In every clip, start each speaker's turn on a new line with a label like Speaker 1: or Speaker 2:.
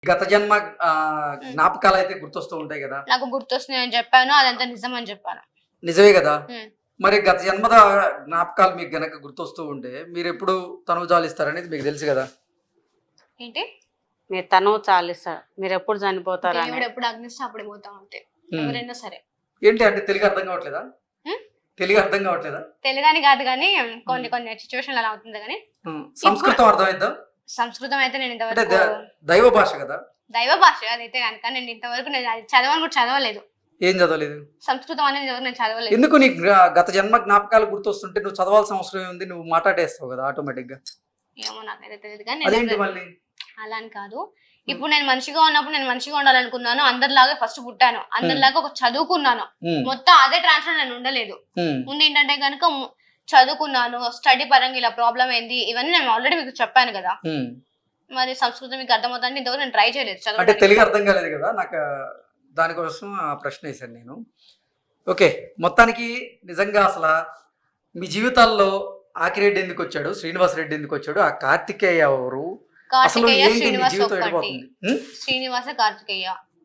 Speaker 1: గత జన్మ జ్ఞాపకాలు అయితే గుర్తొస్తూ ఉంటాయి కదా.
Speaker 2: నాకు గుర్తొస్తున్నాయి అని చెప్పాను, అదంతా నిజం అని చెప్పాను.
Speaker 1: నిజమే కదా.
Speaker 2: ఉమ్.
Speaker 1: మరి గత జన్మద జ్ఞాపకాలు మీకు గనక గుర్తొస్తూ ఉంటే మీరు ఎప్పుడు తనువు జాలిస్తారనేది మీకు తెలుసు కదా.
Speaker 2: ఏంటి?
Speaker 3: మీరు తనువు చాలిస్తారు, మీరు ఎప్పుడు చనిపోతారు అని.
Speaker 2: దేవుడు ఎప్పుడు అగ్నిస్తే అప్పుడు పోతా ఉంటే ఎవరైనా సరే.
Speaker 1: ఏంటి అంటే తెలుగు అర్థం కావట్లేదా? తెలుగు అర్థం కావట్లేదా?
Speaker 2: తెలుగని కాదు కానీ కొన్ని కొన్ని సిచ్యువేషన్ అలా అవుతుంది కానీ.
Speaker 1: సంస్కృతం అర్థమైద్దా?
Speaker 2: సంస్కృతం అయితే నేను
Speaker 1: అంటే
Speaker 2: ఇంతవరకు
Speaker 1: దైవ భాష కదా.
Speaker 2: దైవ భాష అదైతే కనుక నేను ఇంతవరకు నేను అది చదవని కూడా చదవలేదు.
Speaker 1: ఏం చదవలేదు?
Speaker 2: సంస్కృతం అనేది నేను చదవలేదు.
Speaker 1: ఎందుకు నీకు గత జన్మ జ్ఞాపకాలు గుర్తొస్తుంటే నువ్వు చదవాల్సిన అవసరం ఉంది, నువ్వు మాట్లాడేస్తావు కదా ఆటోమేటిక్ గా.
Speaker 2: ఏమో నాకైతే తెలియదు కానీ
Speaker 1: అదేంటి మళ్ళీ
Speaker 2: అలా అని కాదు. ఇప్పుడు నేను మనిషిగా ఉన్నప్పుడు నేను మనిషిగా ఉండాలనుకున్నాను, అందరిలాగా ఫస్ట్ పుట్టాను, అందరిలాగా ఒక చదువుకున్నాను, మొత్తం అదే ట్రాన్స్ఫర్ నేను ఉండలేదు. ముందు ఏంటంటే కనుక చదువుకున్నాను, స్టడీ పరంగా ఇలా ప్రాబ్లం ఏంది ఇవన్నీ నేను ఆల్రెడీ మీకు చెప్పాను కదా. మరి సంస్కృతం మీకు అర్థమవుతుంది ఇంతవరకు నేను ట్రై చేయలేదు.
Speaker 1: అంటే తెలుగు అర్థం కాలేదు కదా నాకు, దానికోసం ఆ ప్రశ్న వేశాను నేను. ఓకే, మొత్తానికి నిజంగా అసలు మీ జీవితాల్లో ఆకిరెడ్డి ఎందుకు వచ్చాడు, శ్రీనివాస్ రెడ్డి ఎందుకు వచ్చాడు, ఆ కార్తికేయ ఎవరు, అసలు
Speaker 2: కార్తికేయ
Speaker 1: ఏంటి మీ
Speaker 2: శ్రీనివాస్
Speaker 1: జీవితం
Speaker 2: ఒక్కటి,
Speaker 1: ఎడిపోతుంది?
Speaker 2: శ్రీనివాస కార్తికేయ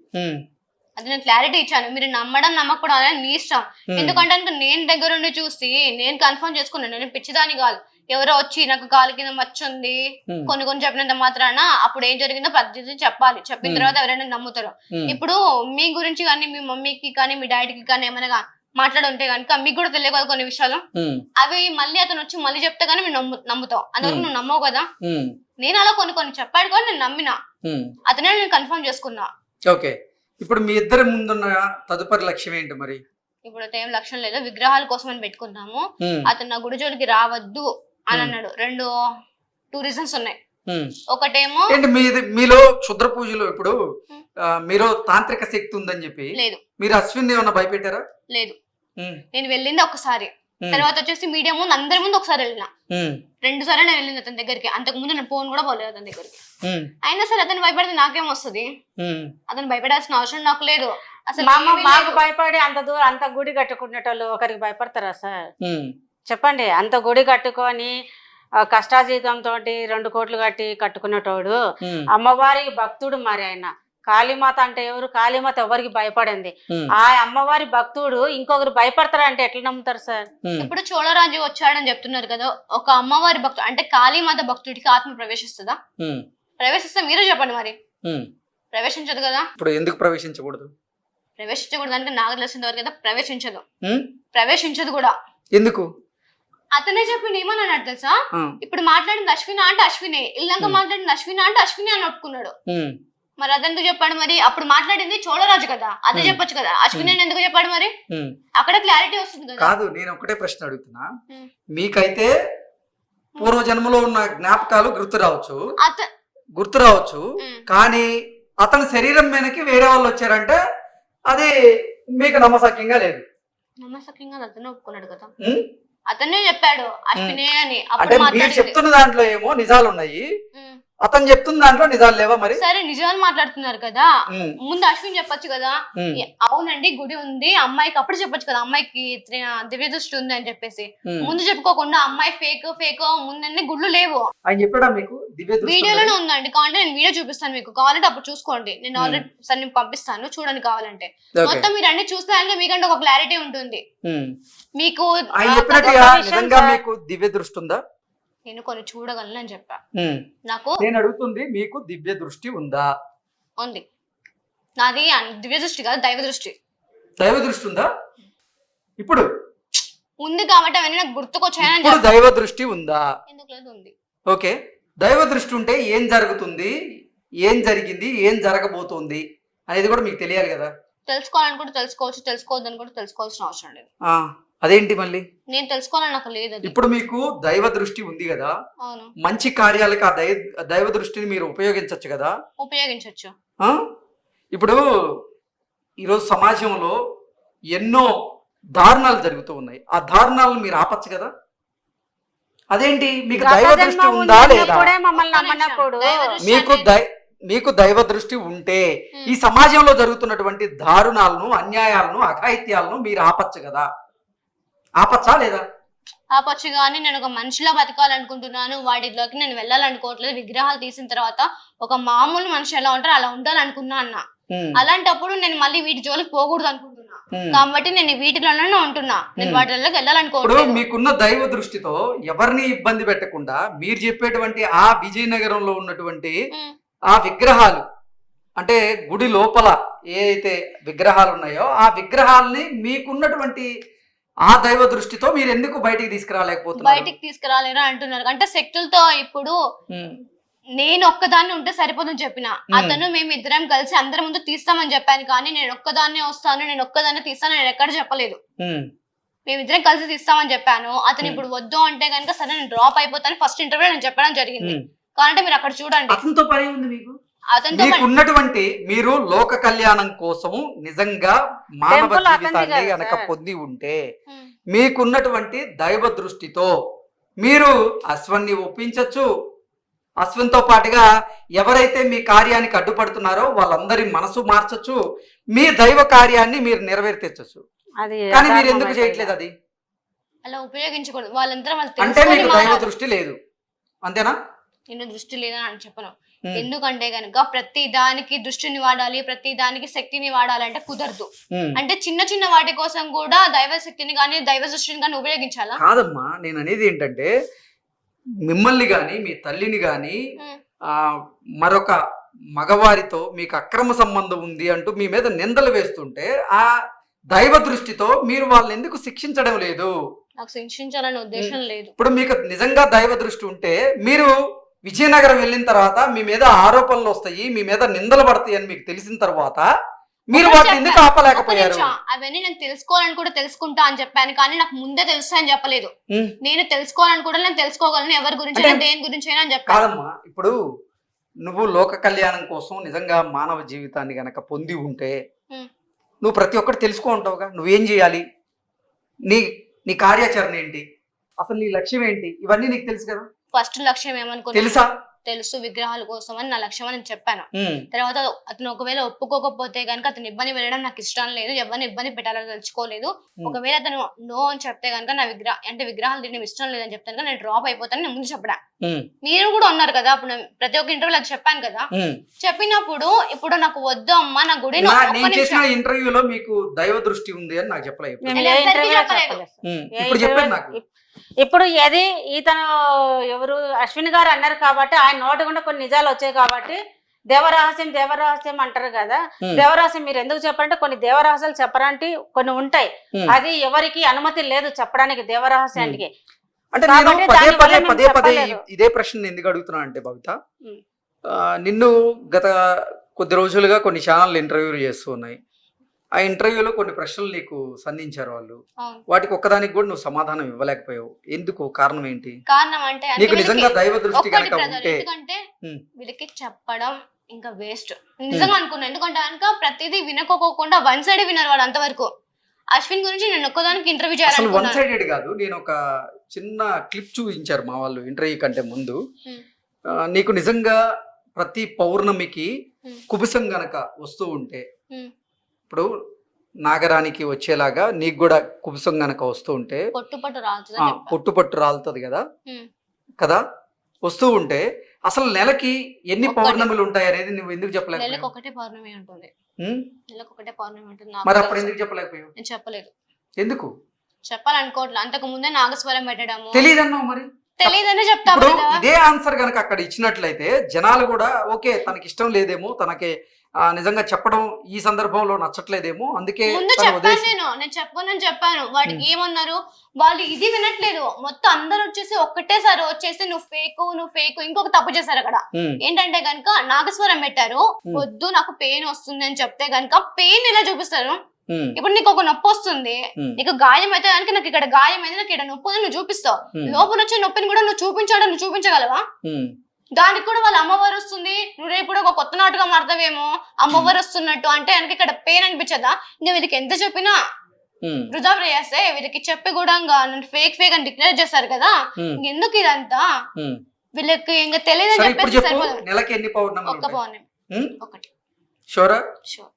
Speaker 2: అది నేను క్లారిటీ ఇచ్చాను. మీరు నమ్మడం నమ్మకూడదు అనేది మీ ఇష్టం. ఎందుకంటే నేను దగ్గర ఉండి చూసి నేను కన్ఫర్మ్ చేసుకున్నాను. నేను పిచ్చిదాని కాదు. ఎవరో వచ్చి నాకు కాలు కింద మచ్చ ఉంది కొన్ని చెప్పినంత మాత్రాన అప్పుడు ఏం జరిగిందో పద్ధతి చెప్పాలి. చెప్పిన తర్వాత ఎవరైనా నమ్ముతారు. ఇప్పుడు మీ గురించి కానీ మీ మమ్మీకి కానీ మీ డాడీకి కానీ ఏమైనా మాట్లాడుంటే కనుక మీకు కూడా తెలియదు కదా కొన్ని విషయాలు. అవి మళ్ళీ అతను వచ్చి మళ్ళీ చెప్తే గానీ మీరు నమ్ముతావు. అందువరకు నువ్వు నమ్మవు కదా. నేను అలా కొన్ని చెప్పాడు కానీ నేను నమ్మినా, అతనే నేను కన్ఫర్మ్ చేసుకున్నా.
Speaker 1: ఓకే, ఇప్పుడు మీ ఇద్దరి ముందున్న తదుపరి లక్ష్యం ఏంటి మరి?
Speaker 2: ఇప్పుడు ఏం లక్ష్యం లేదు, విగ్రహాల కోసం అని పెట్టుకున్నాము. అతను నా గుడి జోలికి రావద్దు అని అన్నాడు. టూ రీజన్స్ ఉన్నాయి. ఒకటేమో
Speaker 1: మీలో క్షుద్ర పూజలు, ఇప్పుడు మీరు తాంత్రిక శక్తి ఉందని చెప్పి
Speaker 2: లేదు,
Speaker 1: మీరు అశ్విన్ ఏమన్నా భయపెట్టారా?
Speaker 2: లేదు, నేను వెళ్ళింది ఒకసారి, తర్వాత వచ్చేసి మీడియా ముందు అందరి ముందు ఒకసారి వెళ్ళిన, 2 సార్లు నేను వెళ్ళింది అతని దగ్గరికి. అంతకు ముందు నేను ఫోన్ కూడా పోలేదు అతని దగ్గరికి. అయినా సరే అతను భయపడితే నాకేం వస్తుంది? అతను భయపడాల్సిన అవసరం నాకు లేదు అసలు.
Speaker 3: మాకు భయపడి అంత దూరం అంత గుడి కట్టుకునేటోళ్ళు ఒకరికి భయపడతారా సార్? చెప్పండి. అంత గుడి కట్టుకొని కష్టాజీతంతో 2 కోట్లు కట్టుకునేటోడు అమ్మవారికి భక్తుడు. మరి ఆయన కాళీమాత అంటే ఎవరు? కాళీమాత ఎవరికి భయపడింది. ఆ అమ్మవారి భక్తుడు ఇంకొకరు భయపడతారంటే ఎట్లా నమ్ముతారు సార్?
Speaker 2: ఇప్పుడు చోళరాజు వచ్చాడని చెప్తున్నారు కదా, ఒక అమ్మవారి భక్తుడు అంటే కాళీమాత భక్తుడికి ఆత్మ ప్రవేశిస్తుందా? ప్రవేశిస్తే మీరే చెప్పండి. మరి ప్రవేశించదు కదా.
Speaker 1: ఇప్పుడు ఎందుకు ప్రవేశించకూడదు?
Speaker 2: ప్రవేశించకూడదు అంటే నాకు తెలిసిన వరకు కదా ప్రవేశించదు కూడా.
Speaker 1: ఎందుకు?
Speaker 2: అతనే చెప్పింది. ఏమన్నాడు తెలుసా? ఇప్పుడు మాట్లాడింది అశ్విన అంటే అశ్వినే, ఇల్లంక మాట్లాడింది అశ్విన అంటే అశ్విని అని ఒప్పుకున్నాడు. మరి అదెందుకు చెప్పాడు? మరి అప్పుడు మాట్లాడింది చోళరాజు కదా, అదే చెప్పొచ్చు కదా. అశ్విని అని ఎందుకు చెప్పాడు? మరి అక్కడ క్లారిటీ వస్తుంది కదా.
Speaker 1: కాదు, నేను ఒకటే ప్రశ్న అడుగుతున్నా. మీకైతే పూర్వజన్మలో ఉన్న జ్ఞాపకాలు గుర్తు రావచ్చు, కానీ అతని శరీరం మీదకి వేరే వాళ్ళు వచ్చారంటే అది మీకు నమ్మసక్యంగా లేదు.
Speaker 2: నమ్మసక్యంగా అతనే ఒప్పుకున్నాడు కదా, అతనే చెప్పాడు అశ్వినే అని.
Speaker 1: అంటే మీరు చెప్తున్న దాంట్లో ఏమో నిజాలు ఉన్నాయి, అతను చెప్తున్న దాంట్లో నిజాలు లేవా? మరి
Speaker 2: సరే, నిజాలు మాట్లాడుతున్నారు కదా, ముందు అశ్విన్ చెప్పొచ్చు కదా. అవునండి గుడి ఉంది అమ్మాయికి, అప్పుడు చెప్పొచ్చు కదా అమ్మాయికి దివ్య దృష్టి ఉంది అని చెప్పేసి. ముందు చెప్పుకోకుండా అమ్మాయి ఫేక్ ముందన్నీ గుడ్లు లేవు
Speaker 1: ఆయన చెప్పాడా మీకు?
Speaker 2: వీడియోలోనే ఉందండి, కావాలంటే నేను వీడియో చూపిస్తాను మీకు, కావాలంటే అప్పుడు చూసుకోండి. నేను ఆల్రెడీ సార్ నేను పంపిస్తాను చూడండి కావాలంటే. మొత్తం మీరు అన్ని చూస్తే మీకంటే ఒక క్లారిటీ ఉంటుంది. మీకు
Speaker 1: దివ్య దృష్టి ఉందా?
Speaker 2: నేను కొన్ని చూడగలను అని చెప్పా. నాకు
Speaker 1: నేను అడుగుతుంది, మీకు దివ్య దృష్టి ఉందా?
Speaker 2: ఉంది. నాది దివ్య దృష్టి కాదు, దైవ దృష్టి.
Speaker 1: దైవ దృష్టి ఉందా? ఇప్పుడు
Speaker 2: ఉంది కాబట్టి అవన్నీ నాకు గుర్తుకొచ్చాయని.
Speaker 1: ఇప్పుడు దైవ దృష్టి ఉందా?
Speaker 2: ఎందుకు లేదు? ఉంది.
Speaker 1: ఓకే, దైవ దృష్టి ఉంటే ఏం జరుగుతుంది, ఏం జరిగింది, ఏం జరగబోతోంది అనేది కూడా మీకు తెలియాలి కదా.
Speaker 2: తెలుసుకోవాలనుకుంటే తెలుసుకోవచ్చు, తెలుసుకోవద్దని కూడా తెలుసుకోవాల్సిన అవసరం లేదు.
Speaker 1: అదేంటి మళ్ళీ?
Speaker 2: నేను తెలుసుకోవాలని నాకు లేదు.
Speaker 1: ఇప్పుడు మీకు దైవ దృష్టి ఉంది కదా, మంచి కార్యాలకు ఆ దైవ దృష్టిని మీరు ఉపయోగించవచ్చు కదా.
Speaker 2: ఉపయోగించవచ్చు.
Speaker 1: ఇప్పుడు ఈరోజు సమాజంలో ఎన్నో దారుణాలు జరుగుతూ ఉన్నాయి, ఆ దారుణాలను మీరు ఆపచ్చు కదా. అదేంటి, మీకు దైవ దృష్టి ఉందా లేదా? మీకు దైవ దృష్టి ఉంటే ఈ సమాజంలో జరుగుతున్నటువంటి దారుణాలను, అన్యాయాలను, అఘాయిత్యాలను మీరు ఆపచ్చు కదా. ఆపచ్చా లేదా?
Speaker 2: ఆపొచ్చు కానీ నేను ఒక మనిషిలా బతకాలనుకుంటున్నాను, వాటిలోకి నేను వెళ్ళాలనుకోవట్లేదు. విగ్రహాలు తీసిన తర్వాత ఒక మామూలు మనిషి ఎలా ఉంటారో అలా ఉండాలనుకున్నా అన్న. అలాంటప్పుడు నేను మళ్ళీ వీటి జోలికి పోకూడదు అనుకుంటున్నా, కాబట్టి నేను వీటిలోనే ఉంటున్నా. నేను వాటిలోకి వెళ్ళాలనుకోవట్లేదు.
Speaker 1: మీకున్న దైవ దృష్టితో ఎవరిని ఇబ్బంది పెట్టకుండా మీరు చెప్పేటువంటి ఆ విజయనగరంలో ఉన్నటువంటి ఆ విగ్రహాలు, అంటే గుడి లోపల ఏదైతే విగ్రహాలు ఉన్నాయో ఆ విగ్రహాలని మీకున్నటువంటి ఆ దైవ దృష్టితో మీరు ఎందుకు బయటికి తీసుకురాలేకపోతున్నారు?
Speaker 2: బయటికి తీసుకురాలేరా అంటున్నారు. అంటే శక్తులతో ఇప్పుడు నేను ఒక్కదాన్ని ఉంటే సరిపోదని చెప్పిన, అతను మేము ఇద్దరం కలిసి అందరి ముందు తీస్తామని చెప్పాను. కానీ నేను ఒక్కదాన్నే వస్తాను, నేను ఒక్కదాన్నే తీస్తాను నేను ఎక్కడ చెప్పలేదు. మేమిద్దరం కలిసి తీస్తామని చెప్పాను. అతను ఇప్పుడు వద్దు అంటే కనుక సరే నేను డ్రాప్ అయిపోతాను ఫస్ట్ ఇంటర్వ్యూ నేను చెప్పడం జరిగింది. కాబట్టి మీరు అక్కడ చూడండి.
Speaker 1: అతనితో పని ఉంది మీకు. ఉన్నటువంటి మీరు లోక కళ్యాణం కోసము నిజంగా మానవ జీవితాన్ని గనక పొంది ఉంటే మీకున్నటువంటి దైవ దృష్టితో మీరు అశ్వన్ని ఒప్పించచ్చు. అశ్వంతో పాటుగా ఎవరైతే మీ కార్యానికి అడ్డుపడుతున్నారో వాళ్ళందరి మనసు మార్చచ్చు, మీ దైవ కార్యాన్ని మీరు నెరవేర్చచ్చు. కానీ మీరు ఎందుకు చేయట్లేదు? అది
Speaker 2: అలా ఉపయోగించకూడదు. వాళ్ళందరూ
Speaker 1: అంటే మీకు దైవ దృష్టి లేదు అంతేనా?
Speaker 2: నేను దృష్టి లేదని అని చెప్పను. ఎందుకంటే గనుక ప్రతి దానికి దృష్టిని వాడాలి, ప్రతి దానికి శక్తిని వాడాలంటే కుదరదు. అంటే చిన్న చిన్న వాటి కోసం కూడా దైవ శక్తిని కానీ దైవ దృష్టిని కానీ ఉపయోగించాలా?
Speaker 1: కాదమ్మా, నేను అనేది ఏంటంటే మిమ్మల్ని గాని మీ తల్లిని గాని మరొక మగవారితో మీకు అక్రమ సంబంధం ఉంది అంటూ మీ మీద నిందలు వేస్తుంటే ఆ దైవ దృష్టితో మీరు వాళ్ళని ఎందుకు శిక్షించడం లేదు?
Speaker 2: నాకు శిక్షించాలనే ఉద్దేశం లేదు.
Speaker 1: ఇప్పుడు మీకు నిజంగా దైవ దృష్టి ఉంటే మీరు విజయనగరం వెళ్ళిన తర్వాత మీ మీద ఆరోపణలు వస్తాయి, మీ మీద నిందలు పడతాయి అని మీకు తెలిసిన తర్వాత మీరు వాటిని ఎందుకు ఆపలేకపోయారు?
Speaker 2: అవన్నీ నేను తెలుసుకోవాలని కూడా తెలుసుకుంటా అని చెప్పాను, కానీ నాకు ముందే తెలుసా అని చెప్పలేదు. నేను తెలుసుకోవాలని కూడా నేను తెలుసుకోగలను, ఎవరి గురించి దేని గురించి అయినా అని చెప్పాను.
Speaker 1: కాదమ్మా, ఇప్పుడు నువ్వు లోక కళ్యాణం కోసం నిజంగా మానవ జీవితాన్ని గనక పొంది ఉంటే నువ్వు ప్రతి ఒక్కటి తెలుసుకో ఉంటావుగా. నువ్వేం చేయాలి, నీ కార్యాచరణ ఏంటి, అసలు నీ లక్ష్యం ఏంటి, ఇవన్నీ నీకు తెలుసు కదా.
Speaker 2: ఫస్ట్ లక్ష్యం ఏమనుకున్నా
Speaker 1: తెలుసా?
Speaker 2: తెలుసు, విగ్రహాల కోసం అని నా లక్ష్యం అని చెప్పాను. తర్వాత అతను ఒకవేళ ఒప్పుకోకపోతే కనుక అతను ఇబ్బంది పెట్టడం నాకు ఇష్టం లేదు, ఎవరిని ఇబ్బంది పెట్టాలని తెలుసుకోలేదు. ఒకవేళ అతను నో అని చెప్తే కనుక నా విగ్రహాలు తినడం ఇష్టం లేదని చెప్తే కనుక నేను డ్రాప్ అయిపోతాను నేను ముందు చెప్పడా. మీరు కూడా ఉన్నారు కదా అప్పుడు ప్రతి ఒక్క ఇంటర్వ్యూలో అది చెప్పాను కదా. చెప్పినప్పుడు ఇప్పుడు నాకు వద్దు అమ్మా నా గుడి
Speaker 1: ఇంటర్వ్యూలో మీకు దైవ దృష్టి ఉంది అని నాకు చెప్పలేదు.
Speaker 3: ఇప్పుడు ఏది ఇతను ఎవరు అశ్విన్ గారు అన్నారు కాబట్టి ఆయన నోటి గుండా కొన్ని నిజాలు వచ్చాయి కాబట్టి దేవరహస్యం దేవరహస్యం అంటారు కదా. దేవరహస్యం మీరు ఎందుకు చెప్పారంటే కొన్ని దేవరహస్యాలు చెప్పడానికి కొన్ని ఉంటాయి, అది ఎవరికి అనుమతి లేదు చెప్పడానికి దేవరహస్యానికి.
Speaker 1: అంటే నేను పదే పదే ఇదే ప్రశ్న ఎందుకు అడుగుతున్నా అంటే భవిత, నిన్ను గత కొద్ది రోజులుగా కొన్ని ఛానల్ ఇంటర్వ్యూలు చేస్తూ ఉన్నాయి. ఆ ఇంటర్వ్యూలో కొన్ని ప్రశ్నలు నీకు సంధించారు వాళ్ళు, వాటికి ఒక్కదానికి కూడా నువ్వు సమాధానం ఇవ్వలేకపోయావు. ఎందుకు? కారణం ఏంటి?
Speaker 2: కారణం అంటే
Speaker 1: నీకు నిజంగా దైవ దృష్టి కనుక ఉంటే
Speaker 2: వీళ్ళకి చెప్పడం ఇంకా వేస్ట్ నిజంగా అనుకున్నా. ఎందుకంటే కనుక ప్రతిదీ వినకోకుండా వన్ సైడ్ విన్నారు వాళ్ళు అంతవరకు. అశ్విన్ గురించి నేను ఒక్కదానికి ఇంటర్వ్యూ చేయాలి.
Speaker 1: వన్ సైడెడ్ కాదు, నేను ఒక చిన్న క్లిప్ చూపించారు మా వాళ్ళు ఇంటర్వ్యూ కంటే ముందు. నీకు నిజంగా ప్రతి పౌర్ణమికి కుబుసం గనక వస్తూ ఉంటే, ఇప్పుడు నాగరానికి వచ్చేలాగా నీకు కూడా కుబుసం గనక వస్తూ ఉంటే పొట్టు రాలుతుంది కదా కదా వస్తూ ఉంటే అసలు నెలకి ఎన్ని పౌర్ణములు ఉంటాయి అనేది నువ్వు ఎందుకు చెప్పలేదు? మరి అప్పుడు ఎందుకు చెప్పలేకపోయావు?
Speaker 2: నేను చెప్పలేదు.
Speaker 1: ఎందుకు
Speaker 2: చెప్పాలనుకోవట్లేదు. అంతకు ముందే నాగస్వరం పెట్టడము
Speaker 1: తెలియదన్నావు. మరి
Speaker 2: తెలియదని చెప్తాను.
Speaker 1: ఇదే ఆన్సర్ గనక అక్కడ ఇచ్చినట్లయితే జనాలు కూడా ఓకే తనకి ఇష్టం లేదేమో, తనకి నిజంగా చెప్పడం ఈ సందర్భంలో నచ్చట్లేదేమో, అందుకే
Speaker 2: ముందు చెప్పాను. నేను చెప్పానని చెప్పాను. వాటికి ఏమన్నారు వాళ్ళు, ఇది వినట్లేదు. మొత్తం అందరు వచ్చేసి ఒక్కటేసారి వచ్చేసి నువ్వు ఫేక్ ఇంకొక తప్పు చేశారు అక్కడ. ఏంటంటే గనుక నాగస్వరం పెట్టారు, వద్దు నాకు పెయిన్ వస్తుంది అని చెప్తే గనుక పెయిన్ ఎలా చూపిస్తారు? ఇప్పుడు నీకు ఒక నొప్పి వస్తుంది, నీకు గాయం అయితే కనుక నాకు ఇక్కడ గాయం అయితే నాకు ఇక్కడ నొప్పి నువ్వు చూపిస్తావు. లోపల వచ్చే నొప్పిని కూడా నువ్వు చూపించగలవా? దానికి కూడా వాళ్ళ అమ్మవారు వస్తుంది, నువ్వు రేపు కూడా ఒక కొత్త నాటుగా మారుతావేమో అమ్మవారు వస్తున్నట్టు అంటే కనుక ఇక్కడ పెయిన్ అనిపించదా? ఇంకా వీళ్ళకి ఎంత చెప్పినా వృధా ప్రయాసే. వీళ్ళకి చెప్పి కూడా నన్ను ఫేక్ అని డిక్లేర్ చేస్తారు కదా, ఎందుకు ఇదంతా? వీళ్ళకి ఇంకా తెలియదని చెప్పేసి
Speaker 1: నెలకి ఎన్ని పౌర్ణమి?
Speaker 2: ఒక్క పౌర్ణమి ఒకటి.
Speaker 1: షూరా?
Speaker 2: షూర్.